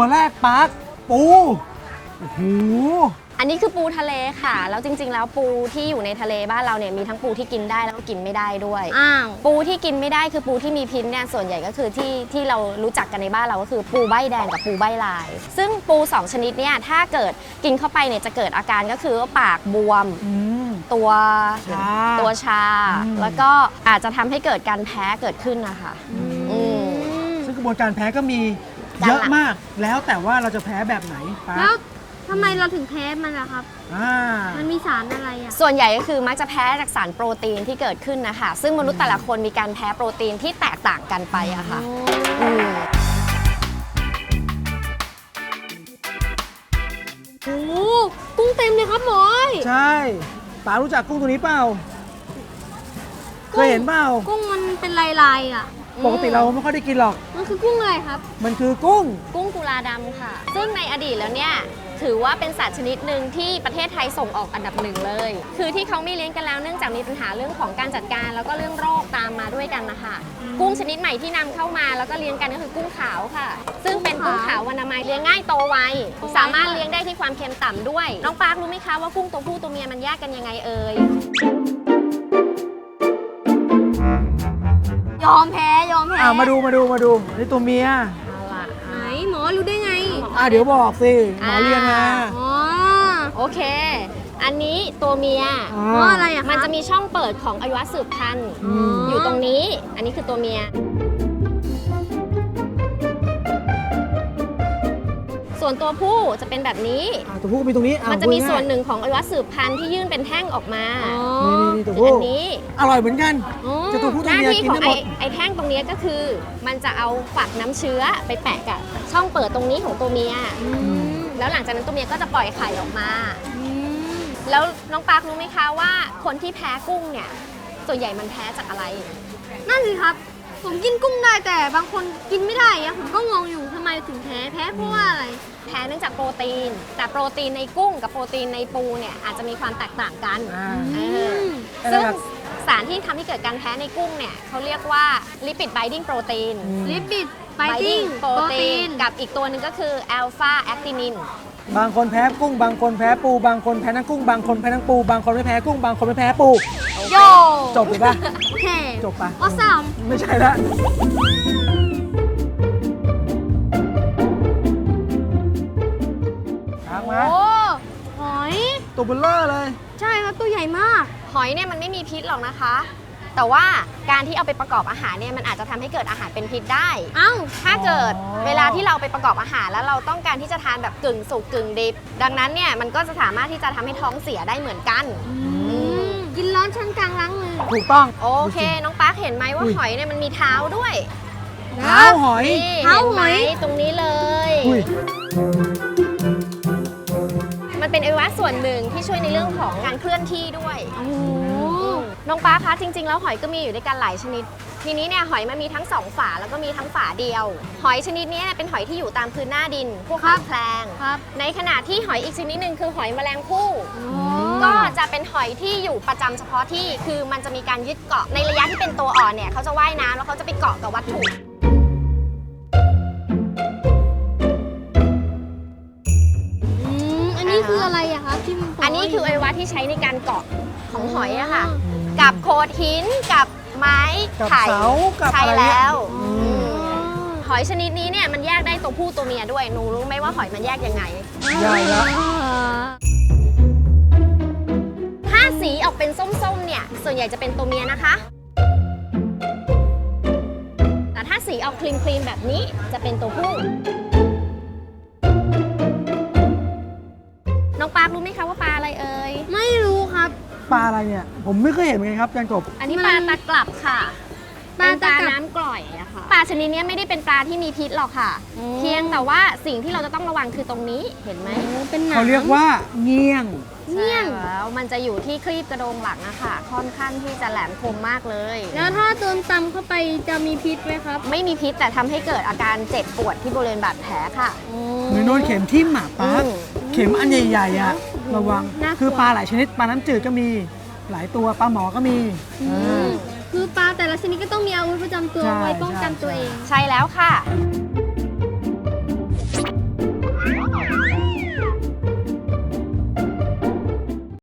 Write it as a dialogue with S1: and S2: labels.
S1: แรกปาร์คปูโอ้โห
S2: อันนี้คือปูทะเลค่ะแล้วจริงๆแล้วปูที่อยู่ในทะเลบ้านเราเนี่ยมีทั้งปูที่กินได้แล้วก็กินไม่ได้ด้วยปูที่กินไม่ได้คือปูที่มีพิษเนี่ยส่วนใหญ่ก็คือที่เรารู้จักกันในบ้านเราก็คือปูใบแดงกับปูใบลายซึ่งปู2ชนิดเนี่ยถ้าเกิดกินเข้าไปเนี่ยจะเกิดอาการก็คือว่าปากบวมตัวชาแล้วก็อาจจะทำให้เกิดการแพ้เกิดขึ้นนะคะ
S1: ซึ่งกระบวนการแพ้ก็มีเยอะมากแล้วแต่ว่าเราจะแพ้แบบไหนปาร์ค
S3: แล้วทำไมเราถึงแพ้มันล่ะครับมันมีสารอะไรอ่ะ
S2: ส่วนใหญ่ก็คือมักจะแพ้จากสารโปรตีนที่เกิดขึ้นนะคะซึ่งมนุษย์แต่ละคนมีการแพ้โปรตีนที่แตกต่างกันไปอะค่ะ
S3: โอ้กุ้งเต็มเลยครับหมอย
S1: ใช่ป๋ารู้จักกุ้งตัวนี้เปล่าเคยเห็นเปล่า
S3: กุ้งมันเป็นลายๆอ่ะ
S1: ปกติเราไม่ค่อยได้กินหรอก
S3: มันคือกุ้งอะไรครับ
S1: มันคือกุ้ง
S2: กุลาดำค่ะซึ่งในอดีตแล้วเนี่ยถือว่าเป็นสัตว์ชนิดหนึ่งที่ประเทศไทยส่งออกอันดับหนึ่งเลยคือที่เขาไม่เลี้ยงกันแล้วเนื่องจากมีปัญหาเรื่องของการจัดการแล้วก็เรื่องโรคตามมาด้วยกันนะคะกุ้งชนิดใหม่ที่นำเข้ามาแล้วก็เลี้ยงกันก็คือกุ้งขาวค่ะซึ่งเป็นกุ้งขาววรรณไม้เลี้ยงง่ายโตไวสามารถเลี้ยงได้ที่ความเค็มต่ำด้วยน้องปาร์ครู้ไหมคะว่ากุ้งตัวผู้ตัวเมียมันแยกกันยังไงเอ่ย
S3: ยอมแพ้
S1: มาดูนี่ตัวเมีย
S3: ไหนหมอรู้ได้ไง
S1: เดี๋ยวบอกสิหมอเรียนมา
S2: โอเคอันนี้ตัวเมีย
S3: เพราะอะไรอะ
S2: มันจะมีช่องเปิดของอวัยวะสืบพันธุ์อยู่ตรงนี้อันนี้คือตัวเมียส่วนตัวผู้จะเป็นแบบนี้
S1: ตัวผู้มีตรงนี้
S2: มันจะมีส่วนหนึ่งของอวัยวะสืบพันธุ์ที่ยื่นเป็นแท่งออกมา
S1: นี่ตัวผู้
S2: อันนี้
S1: อร่อยเหมือนกันจะตัวผู้ตัวเมียกินได้หมด
S2: ไอ้แท่งตรงนี้ก็คือมันจะเอาฝักน้ำเชื้อไปแปะกับช่องเปิดตรงนี้ของตัวเมียแล้วหลังจากนั้นตัวเมียก็จะปล่อยไข่ออกมาแล้วน้องปาร์ครู้ไหมคะว่าคนที่แพ้กุ้งเนี่ยส่วนใหญ่มันแพ้จากอะไร
S3: นั่นสิครับผมกินกุ้งได้แต่บางคนกินไม่ได้อะผมก็งงอยู่ทำไมถึงแพ้เพราะว่าอะไร
S2: แพ้เนื่องจากโปรตีนแต่โปรตีนในกุ้งกับโปรตีนในปูเนี่ยอาจจะมีความแตกต่างกันซึ่งสารที่ทำให้เกิดการแพ้ในกุ้งเนี่ยเขาเรียกว่าลิปิดไบดิ้งโปรตีนโปรตีนกับอีกตัวหนึ่งก็คืออัลฟาแอคตินิน
S1: บางคนแพ้กุ้งบางคนแพ้ปูบางคนแพ้ทั้งกุ้งบางคนแพ้ทั้งปูบางคนไม่แพ้กุ้งบางคนไม่แพ้ปู
S3: โย
S1: จบเลยป่ะ
S3: โอเค
S1: จบป่ะ
S3: awesome
S1: ไม่ใช่ละ
S3: โอ้หอย
S1: ตัวเบลเลอร์เลย
S3: ใช่ครับตัวใหญ่มาก
S2: หอยเนี่ยมันไม่มีพิษหรอกนะคะแต่ว่าการที่เอาไปประกอบอาหารเนี่ยมันอาจจะทำให้เกิดอาหารเป็นพิษได้ถ้าเกิดเวลาที่เราไปประกอบอาหารแล้วเราต้องการที่จะทานแบบกึ่งสุกกึ่งดิบดังนั้นเนี่ยมันก็จะสามารถที่จะทำให้ท้องเสียได้เหมือนกัน
S3: กินร้อนชั้นกลางล้างมือ
S1: ถูกต้อง
S2: โอเคน้องปาร์คเห็นไหมว่าหอยเนี่ยมันมีเท้าด้วย
S1: เท้าหอย
S2: เห็นไหมตรงนี้เลยมันเป็นอวัยวะส่วนหนึ่งที่ช่วยในเรื่องของการเคลื่อนที่ด้วยน้องปาร์คคะจริงๆแล้วหอยก็มีอยู่ด้วยกันหลายชนิดทีนี้เนี่ยหอยมันมีทั้ง2ฝาแล้วก็มีทั้งฝาเดียวหอยชนิดนี้เป็นหอยที่อยู่ตามพื้นหน้าดินพวกหอยแครงในขณะที่หอยอีกชนิดหนึ่งคือหอยแมลงภู่ก็จะเป็นหอยที่อยู่ประจำเฉพาะที่คือมันจะมีการยึดเกาะในระยะที่เป็นตัวอ่อนเนี่ยเขาจะว่ายน้ำแล้วเขาจะไปเกาะกับวัตถุ
S3: อันนี้คืออะไรอะคะที่
S2: อันนี้คืออวัยวะที่ใช้ในการเกาะของหอยอะค่ะกับโขดหินกับไม้ไผ่ใช่แล้วหอยชนิดนี้เนี่ยมันแยกได้ตัวผู้ตัวเมียด้วยหนูรู้ไหมว่าหอยมันแยกยังไง
S1: ใช่แล้ว
S2: ถ้าสีออกเป็นส้มๆเนี่ยส่วนใหญ่จะเป็นตัวเมียนะคะแต่ถ้าสีออกครีมๆแบบนี้จะเป็นตัวผู้น้องปาร์ครู้ไหมคะว่าปลาอะไรเอ่ย
S3: ไม่รู้ครับ
S1: ปลาอะไรเนี่ยผมไม่เคยเห็นเหมือนกันครับจันกบ
S2: อันนี้ปลาตะกลับค่ะเป็นปลาน้ำกร่อยอะค่ะปลาชนิดนี้ไม่ได้เป็นปลาที่มีพิษหรอกค่ะเพียงแต่ว่าสิ่งที่เราจะต้องระวังคือตรงนี้เห็นไหม
S3: เป็นหนัง
S1: เขาเรียกว่าเงี้ยง
S2: แล้วมันจะอยู่ที่ครีบกระโดงหลังอะค่ะค่อนข้างที่จะแหลมคมมากเลย
S3: แล้วถ้าโดนตำเข้าไปจะมีพิษไหมครับ
S2: ไม่มีพิษแต่ทำให้เกิดอาการเจ็บปวดที่บริเวณบาดแผลค่ะ
S1: เหมือนโดนเข็มทิ่มหมาปลาเข็มอันใหญ่ๆอะระวังคือปลาหลายชนิดปลาน้ำจืดก็มีหลายตัวปลาหมอก็มี
S3: คือปลาแต่ละชนิดก็ต้องมีอาวุธประจำตัวไว้ป้องกันตัวเอง
S2: ใช่แล้วค่ะ